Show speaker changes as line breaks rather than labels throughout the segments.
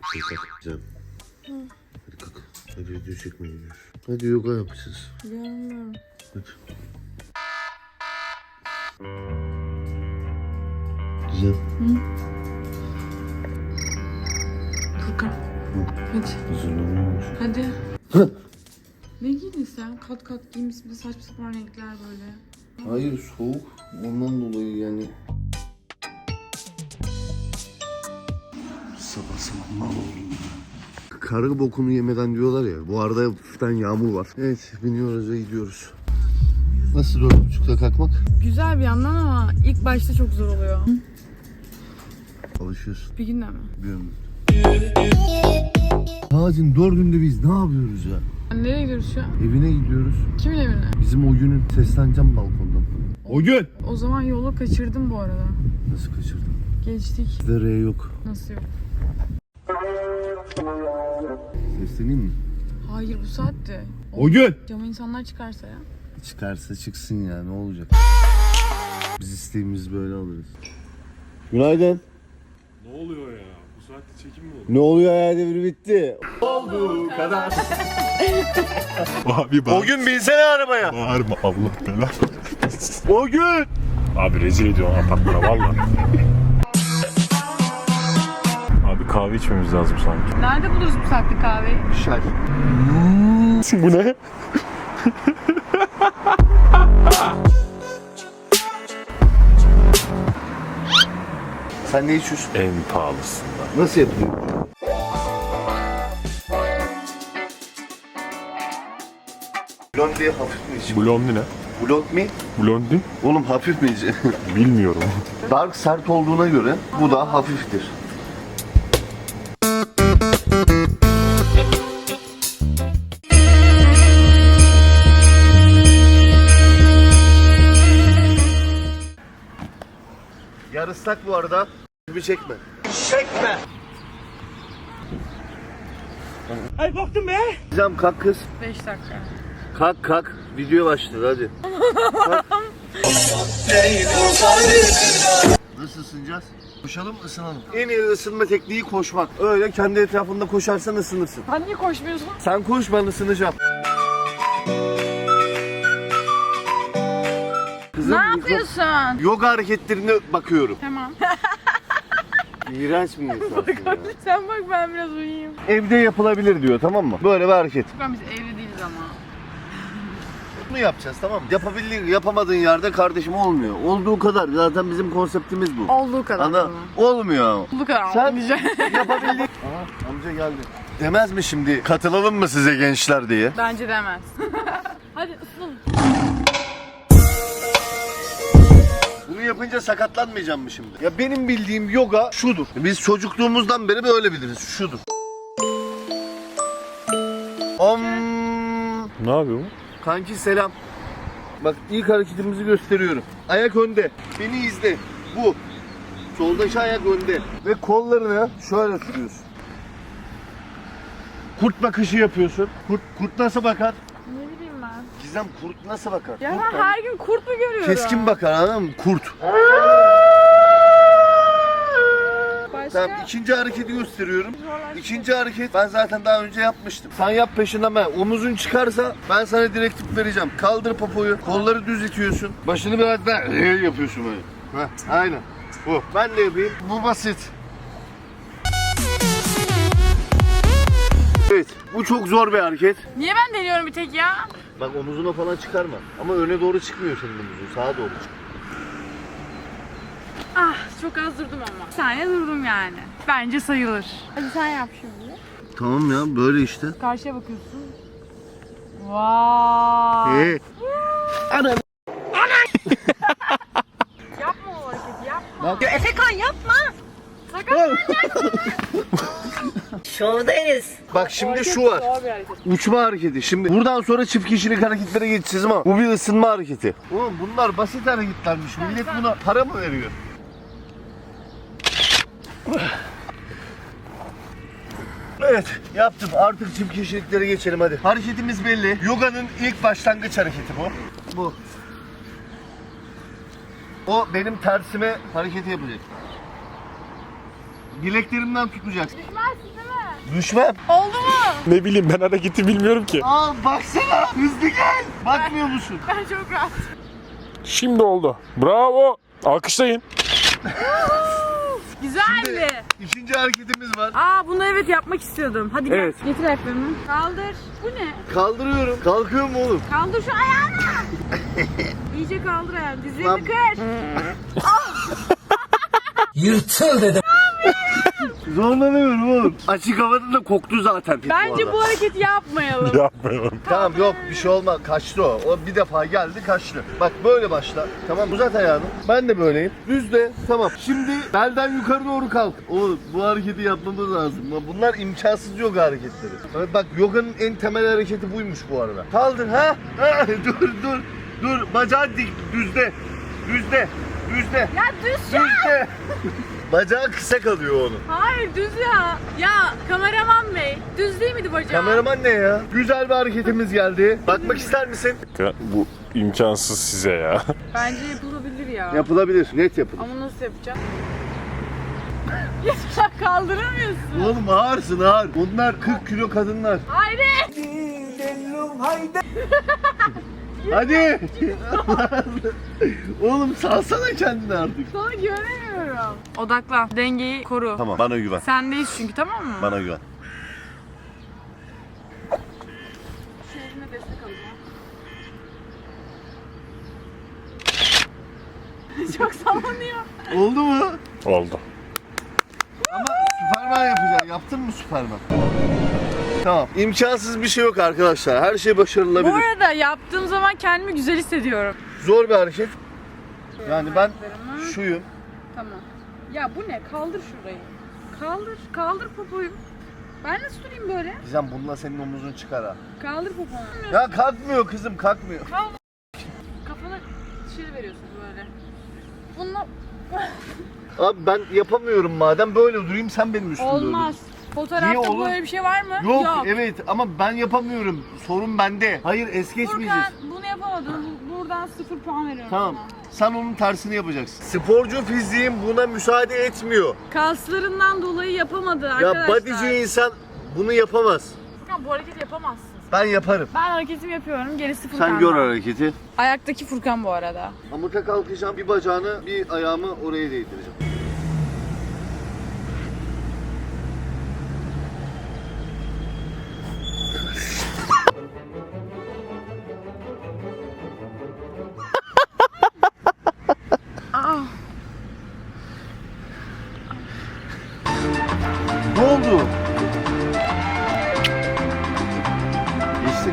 Kalkacağım. Hadi kalk. Hadi video çekmeye gidiyoruz. Hadi yoga yapacağız.
Gelmiyorum.
Hadi. Güzel.
Furkan. Hadi.
Hazırlanıyormuş.
Hadi. Ne giydin sen? Kat kat giymişsin. Bir de saçma sapan renkler böyle.
Hayır soğuk. Ondan dolayı yani. Sabah sabah mal oldum ya. Karı bokunu yemeden diyorlar ya. Bu arada hafiften yağmur var. Evet biniyoruz ve gidiyoruz. Nasıl 4.30'da kalkmak?
Güzel bir yandan ama ilk başta çok zor oluyor.
Alışıyorsun.
Bir günde mi?
Bilmiyorum. Ağacın 4'ünde biz ne yapıyoruz ya?
Nereye gidiyoruz şu an?
Evine gidiyoruz.
Kimin evine?
Bizim o günün sesleneceğim balkondan. O gün!
O zaman yolu kaçırdım bu arada.
Nasıl kaçırdın?
Geçtik.
Bizde R yok.
Nasıl yok?
Sesleneyim mi?
Hayır bu saatte.
O gün!
Cama insanlar çıkarsa ya.
Çıkarsa çıksın ya ne olacak? Biz isteğimizi böyle alırız. Günaydın.
Ne oluyor ya? Bu saatte çekim mi olur?
Ne oluyor ya devir bitti. Olduğu kadar.
Abi
O gün binsene arabaya.
Bağırma Allah belanı.
O gün.
Abi rezil ediyorsun apartmana valla. Abi kahve içmemiz lazım sanki.
Nerede buluruz bu saatte kahveyi?
Şer.
Bu ne?
Sen ne içiyorsun?
En pahalısından.
Nasıl yapılıyor? Blondie hafif mi içiyor?
Blondi ne?
Blond mi?
Blondi?
Oğlum hafif mi içiyor?
Bilmiyorum.
Dark sert olduğuna göre bu da hafiftir. Yarıslak bu arada. Bir çekme. Çekme. Ay baktım be. Gizem kalk kız.
5 dakika.
Kalk kalk. Video başladı hadi. Nasıl ısınacağız? Koşalım ısınalım. En iyi ısınma tekniği koşmak. Öyle kendi etrafında koşarsan ısınırsın.
Sen niye koşmuyorsun?
Sen koş ben ısınacağım. Kızım,
Ne yapıyorsun?
Yoga hareketlerine bakıyorum.
Tamam.
İğrenç bir insansın ya.
Sen bak ben biraz uyuyayım.
Evde yapılabilir diyor tamam mı? Böyle bir hareket.
Furkan biz evli değiliz ama.
Bunu yapacağız tamam mı? Yapabildiğin, yapamadığın yerde kardeşim olmuyor. Olduğu kadar. Zaten bizim konseptimiz bu.
Olduğu kadar.
Ana, olmuyor.
Olduğu kadar.
Sen
olmayacak.
yapabildiğin... Aha amca geldi. Demez mi şimdi katılalım mı size gençler diye?
Bence demez. Hadi ısınalım.
Bunu yapınca sakatlanmayacağım mı şimdi? Ya benim bildiğim yoga şudur. Biz çocukluğumuzdan beri böyle biliriz. Şudur.
Ne yapıyor bu?
Kanki selam. Bak ilk hareketimizi gösteriyorum. Ayak önde. Beni izle. Bu. Soldaki ayak önde. Ve kollarını şöyle tutuyorsun. Kurt bakışı yapıyorsun. Kurt nasıl bakar?
Ne bileyim ben.
Gizem kurt nasıl bakar?
Ya
Kurt
ben
bak-
her gün kurt mu görüyorum?
Keskin bakar anladın mı? Kurt.
Başka?
Tamam ikinci hareketi gösteriyorum. İkinci hareket ben zaten daha önce yapmıştım. Sen yap peşinden ben. Omuzun çıkarsa ben sana direktif vereceğim. Kaldır popoyu. Kolları düz itiyorsun. Başını biraz daha yapıyorsun böyle. Heh, aynen. Bu. Ben de yapayım. Bu basit. Evet. Bu çok zor bir hareket.
Niye ben deniyorum bir tek ya?
Bak omuzuna falan çıkarma. Ama öne doğru çıkmıyor senin omuzun. Sağa doğru çık.
Ah çok az durdum ama. Bir saniye durdum yani. Bence sayılır. Hadi sen yap şimdi.
Tamam ya böyle işte.
Karşıya bakıyorsun. Vay.
Ana.
Yapma o hareketi yapma.
Bak.
Efekan yapma. Şovdayız.
Bak şimdi şu var.
Zor bir hareket.
Uçma hareketi. Şimdi buradan sonra çift kişilik hareketlere geçeceğiz ama bu bir ısınma hareketi. Oğlum bunlar basit hareketlermiş. Millet buna para mı veriyor? Evet yaptım. Artık çift kişiliklere geçelim hadi. Hareketimiz belli. Yoga'nın ilk başlangıç hareketi bu. Bu. O benim tersime hareketi yapacak. Bileklerimden tutacaksın.
Düşmezsin değil mi?
Düşmem.
Oldu mu?
Ne bileyim ben hareketi bilmiyorum ki.
Aa baksana hızlı gel. Bakmıyor musun?
Ben çok rahat.
Şimdi oldu. Bravo. Alkışlayın.
Güzeldi.
İkinci hareketimiz var.
Aa bunu evet yapmak istiyordum. Hadi gel.
Evet.
Getir ayaklarını. Kaldır. Bu ne?
Kaldırıyorum. Kalkıyor mu oğlum?
Kaldır şu ayağını. İyice kaldır ayağını. Dizlerini
Lan-
kır.
Yırtıl dedim.
Zorlanıyorum oğlum. Açık havada da koktu zaten.
Bence bu hareketi yapmayalım.
Yapmayalım.
Tamam yok bir şey olmaz. Kaçtı o. O bir defa geldi kaçtı. Bak böyle başla. Tamam uzat ayağını. Ben de böyleyim. Düz de. Tamam. Şimdi belden yukarı doğru kalk. Oğlum bu hareketi yapmamız lazım. Bunlar imkansız yoga hareketleri. Evet, bak yoganın en temel hareketi buymuş bu arada. Kaldır ha. Ha, dur. Bacağı dik. Düzde. Düzde.
Ya düz ya.
Düzde. Bacağı kısa kalıyor onun.
Hayır düz ya. Ya kameraman bey. Düz değil miydi bacağı?
Kameraman ne ya? Güzel bir hareketimiz geldi. Bakmak ister misin?
Bu imkansız size ya.
Bence yapılabilir ya.
Yapılabilir. Net yapılır.
Ama nasıl yapacağım? Ya kaldıramıyorsun.
Oğlum ağırsın ağır. Bunlar 40 kilo kadınlar.
Haydi.
Hadi. Oğlum salsana kendini artık.
Sana güvenemiyorum. Odaklan. Dengeyi koru.
Tamam bana güven.
Sendeyiz çünkü tamam mı?
Bana güven.
Şu eline destek alacağım. Çok sallanıyor.
Oldu mu?
Oldu.
Ama Süperman yapacaksın. Yaptın mı Süperman? Tamam. İmkansız bir şey yok arkadaşlar. Her şey başarılabilir.
Bu arada yaptığım zaman kendimi güzel hissediyorum.
Zor bir hareket. Yani ben şuyum.
Tamam. Ya bu ne? Kaldır şurayı. Kaldır popoyu. Ben nasıl durayım böyle?
Gizem bununla senin omuzun çıkar ha.
Kaldır poponu.
Ya kalkmıyor kızım kalkmıyor.
Kafana dışarı veriyorsun böyle. Bununla
Abi ben yapamıyorum madem böyle durayım sen benim üstümde
olmaz.
Niye
Fotoğrafta
olur?
böyle bir şey var mı?
Yok evet ama ben yapamıyorum. Sorun bende. Hayır es geçmeyeceğiz.
Furkan bunu yapamadın. Buradan 0 puan veriyorum
Tamam.
sana.
Sen onun tersini yapacaksın. Sporcu fiziğim buna müsaade etmiyor.
Kaslarından dolayı yapamadı
Ya
arkadaşlar.
bodyci insan bunu yapamaz.
Furkan bu hareketi yapamazsın.
Ben yaparım.
Ben hareketimi yapıyorum. Gerisi Furkan'da.
Sen gör hareketi.
Ayaktaki Furkan bu arada.
Amuta kalkacağım. Bir bacağını, bir ayağımı oraya değdireceğim.
Aa.
Ne oldu? Geçtik.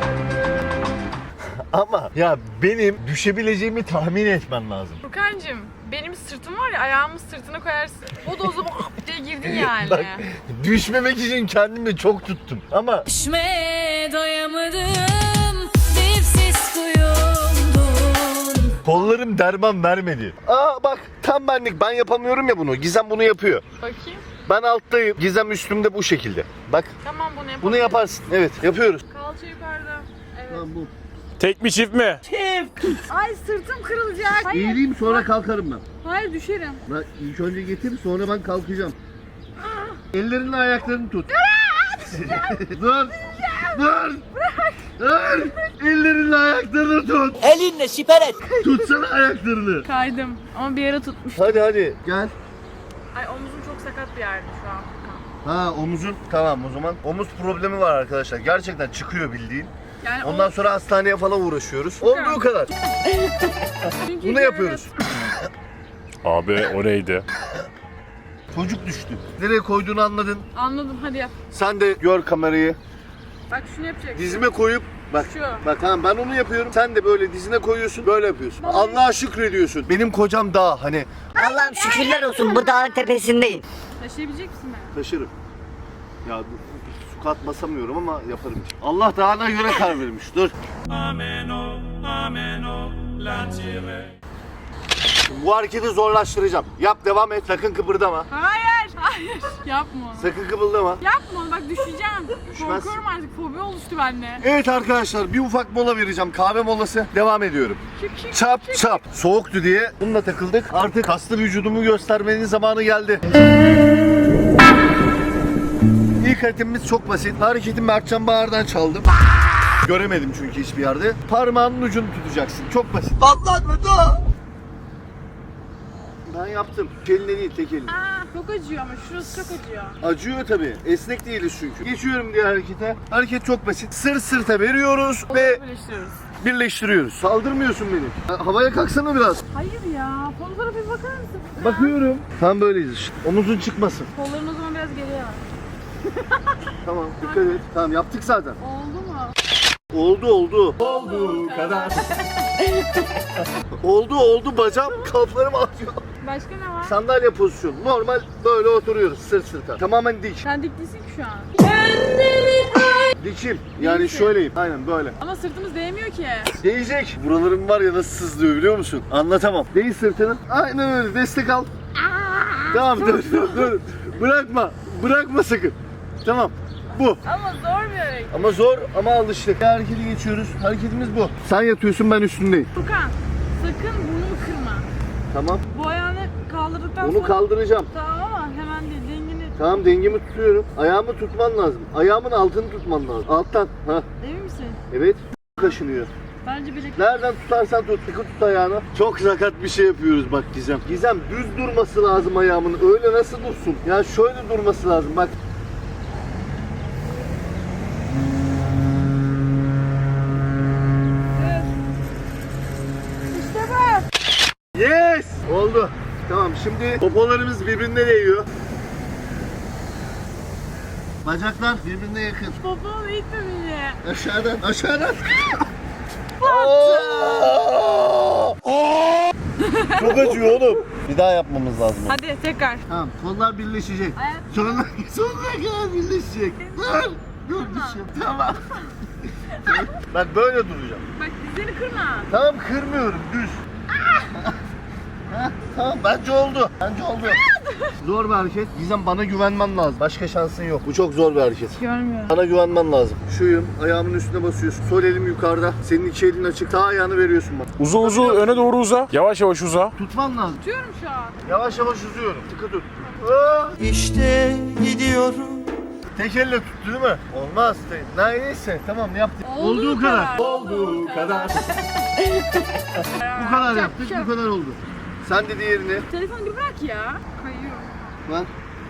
Ama ya benim düşebileceğimi tahmin etmen lazım.
Furkancığım benim sırtım var ya ayağımı sırtına koyarsın. O da o zaman diye girdin yani.
Bak düşmemek için kendimi çok tuttum. Ama
Düşmeye doyamadım, dipsiz kuyumdun.
kollarım derman vermedi. Aa bak tam benlik ben yapamıyorum ya bunu. Gizem bunu yapıyor.
Bakayım.
Ben alttayım. Gizem üstümde bu şekilde. Bak
Tamam bunu yapalım.
bunu yaparsın. Evet yapıyoruz.
Kalça yukarıda. Evet.
Tamam bu.
Tek mi çift mi?
Ay sırtım kırılacak. Hayır.
Eğileyim sonra kalkarım ben.
Hayır düşerim.
Ben ilk önce getir sonra ben kalkacağım. Ellerini ayaklarını tut. Dur. Dur. Dur. Ellerini ayaklarını tut.
Elinle siper et.
Tutsana ayaklarını.
Kaydım ama bir yere tutmuş.
Hadi gel.
Ay omuzum çok sakat bir yerde şu an Furkan.
Ha omuzun tamam o zaman. Omuz problemi var arkadaşlar. Gerçekten çıkıyor bildiğin.
Yani
Ondan sonra hastaneye falan uğraşıyoruz. Olduğu kadar.
Çünkü
Bunu yapıyoruz.
Abi o neydi?
Çocuk düştü. Nereye koyduğunu anladın.
Anladım hadi yap.
Sen de gör kamerayı.
Bak şunu yapacaksın.
Dizime koyup bak.
Şu.
Bak tamam ben onu yapıyorum. Sen de böyle dizine koyuyorsun. Böyle yapıyorsun. Allah'a şükrediyorsun. Benim kocam dağ hani
Allah'ım şükürler olsun bu dağın tepesindeyim.
Taşıyabilecek misin beni?
taşırım. Ya su katmasamıyorum ama yaparım. Allah dağına göre karar vermiş. Dur. Bu hareketi zorlaştıracağım. Yap devam et. Sakın kıpırdama.
Hayır. Hayır. Yapma onu.
Sakın kıpırdama.
Yapma onu bak düşeceğim.
Düşmez.
Korkuyorum artık fobi oluştu bende.
Evet arkadaşlar bir ufak mola vereceğim. Kahve molası. Devam ediyorum. Çap çap. Soğuktu diye bununla takıldık. Artık kaslı vücudumu göstermenin zamanı geldi. İlk İlk hareketimiz çok basit. Hareketi Mertcan Bağır'dan çaldım. Göremedim çünkü hiçbir yerde. Parmağının ucunu tutacaksın. Çok basit. Ben yaptım. Eline değil, tek eline.
Çok acıyor ama şurası çok acıyor.
Acıyor tabii. Esnek değiliz çünkü. Geçiyorum diğer harekete. Hareket çok basit. Sırt sırta veriyoruz ve
Birleştiriyoruz.
birleştiriyoruz. Saldırmıyorsun beni. Havaya kalksana biraz.
Hayır ya. Kollara bir bakar mısın?
Bakıyorum. Tam böyleyiz işte. Omuzun çıkmasın.
Kolların o zaman biraz geriye al.
Tamam, dikkat et. Tamam, yaptık zaten.
Oldu mu?
Oldu. Oldu kadar. oldu. Bacağım, kalplarım atıyor.
Başka ne var?
Sandalye pozisyonu. Normal böyle oturuyoruz sırt sırta. Tamamen dik.
Sen dik değilsin ki şu an.
Dikim. Yani
misin?
şöyleyim. Aynen böyle.
Ama sırtımız değmiyor ki.
Değecek. Buralarım var ya nasıl sızlıyor biliyor musun? Anlatamam. Değ sırtını. Aynen öyle. Destek al. Tamam dur. Bırakma sakın. Tamam. Bu.
Ama zor bir hareket.
Ama zor ama alıştık. Hareketi geçiyoruz. Hareketimiz bu. Sen yatıyorsun, ben üstündeyim.
Furkan sakın burnumu kırma.
Tamam.
Bu ayağını kaldırdıktan
Onu
sonra...
kaldıracağım.
Tamam ama hemen değil dengini.
Tamam, dengemi tutuyorum. Ayağımı tutman lazım. Ayağımın altını tutman lazım. Alttan. Ha.
Emin misin?
Evet. Kaşınıyor.
Bence bilek...
Nereden tutarsan tut. Sıkı tut ayağını. Çok sakat bir şey yapıyoruz bak Gizem. Gizem düz durması lazım ayağımın. Öyle nasıl dursun? Ya şöyle durması lazım bak.
İşte bu.
Yes! Oldu. Tamam, şimdi popolarımız birbirine değiyor. Bacaklar birbirine yakın.
Poponu itme beni.
Aşağıdan. Oo! Çok acıyor oğlum. Bir daha yapmamız lazım.
Hadi tekrar.
Tamam, kollar birleşecek.
Ayak-
Sonuna kadar birleşecek. Dur düşün. Tamam. Ben böyle duracağım.
Bak dizlerini kırma.
Tamam, kırmıyorum, düz. Heh, tamam, bence oldu. Zor bir hareket. Gizem, bana güvenmen lazım. Başka şansın yok. Bu çok zor bir hareket.
Görmüyorum.
Bana güvenmen lazım. Şuyum, ayağımın üstüne basıyorsun. Sol elim yukarıda. Senin iki elin açık. Sağ ayağını veriyorsun bana.
Uza öne doğru uza. Yavaş uza.
Tutman lazım.
Tutuyorum şu an.
Yavaş uzuyorum. Sıkı tut. Aa!
İşte gidiyorum.
Tek elle tuttu değil mi? Olmaz. Neyse, tamam yaptık.
Olduğu kadar.
Olduğu kadar. Bu kadar yaptık, bu kadar oldu. Sen de diğerini.
Telefonu bir bırak ya. Kayıyor.
Bak.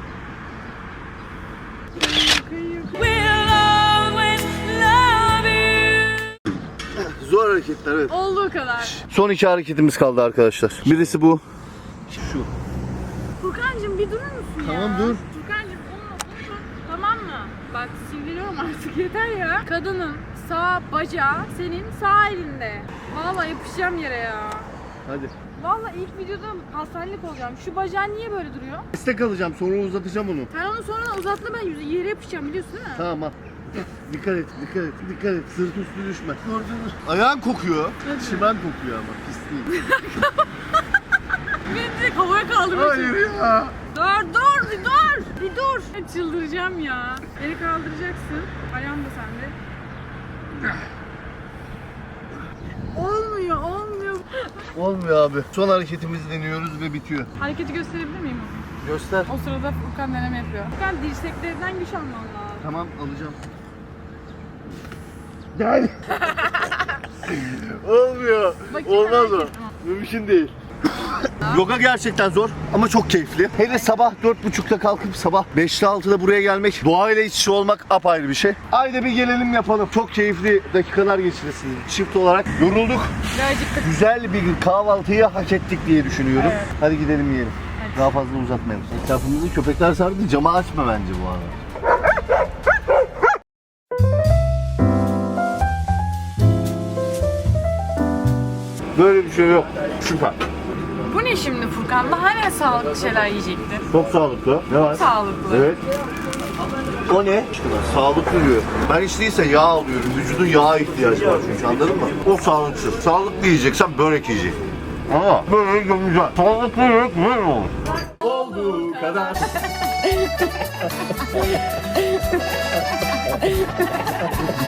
Kayıyor.
We'll always love you.
Zor hareketler, evet.
Olduğu kadar.
Son iki hareketimiz kaldı arkadaşlar. Birisi bu. Şu.
Furkancığım bir durur musun ya?
Tamam, dur.
Furkancığım onu. Tamam mı? Bak sinirleniyorum artık yeter ya. Kadının sağ bacağı senin sağ elinde. Vallahi yapışacağım yere ya.
Hadi.
Vallahi ilk videoda hastanelik olacağım. Şu bacağın niye böyle duruyor?
Destek alacağım, sonra uzatacağım onu.
Sen onu sonra uzatma, ben yere yapışacağım biliyorsun değil mi?
Tamam al. Dikkat et. Sırt üstü düşme. Dur. Ayağın kokuyor. Çimen kokuyor ama pis değil.
Beni direkt havaya kaldırmak için.
Hayır ya.
Bir dur. Çıldıracağım ya. Beni kaldıracaksın. Ayağım da sende. Olmuyor.
Olmuyor abi. Son hareketimizi deniyoruz ve bitiyor.
Hareketi gösterebilir miyim?
Göster.
O sırada Furkan deneme yapıyor. Furkan dirseklerinden güç alman lazım.
Tamam, alacağım. Gel. Olmuyor.
Bakayım,
Olmaz
merak
o.
ettim.
Mümkün değil. Yoga gerçekten zor ama çok keyifli. Hele sabah 4.30'da kalkıp sabah 5'te 6'da buraya gelmek, doğayla iç içe olmak apayrı bir şey. Ayda bir gelelim yapalım. Çok keyifli dakikalar geçirirsiniz. Çift olarak yorulduk.
Ve acıktık.
Güzel bir kahvaltıyı hak ettik diye düşünüyorum.
Evet.
Hadi gidelim yiyelim.
Hadi.
Daha fazla uzatmayalım. Etrafımızı köpekler sardı. Camı açma bence bu arada. Böyle bir şey yok. Süper.
Bu ne şimdi Furkan? Daha ne sağlıklı şeyler yiyecektin?
Çok sağlıklı. Ne var?
Sağlıklı.
Evet. O ne? Sağlıklı diyor. Ben hiç değilse yağ alıyorum. Vücudun yağa ihtiyacı var çünkü, anladın mı? O sağlıksız. Sağlıklı yiyeceksen börek yiyeceksin. Ama börek güzel. Sağlıklı börek böyle olur. Olduğu kadar.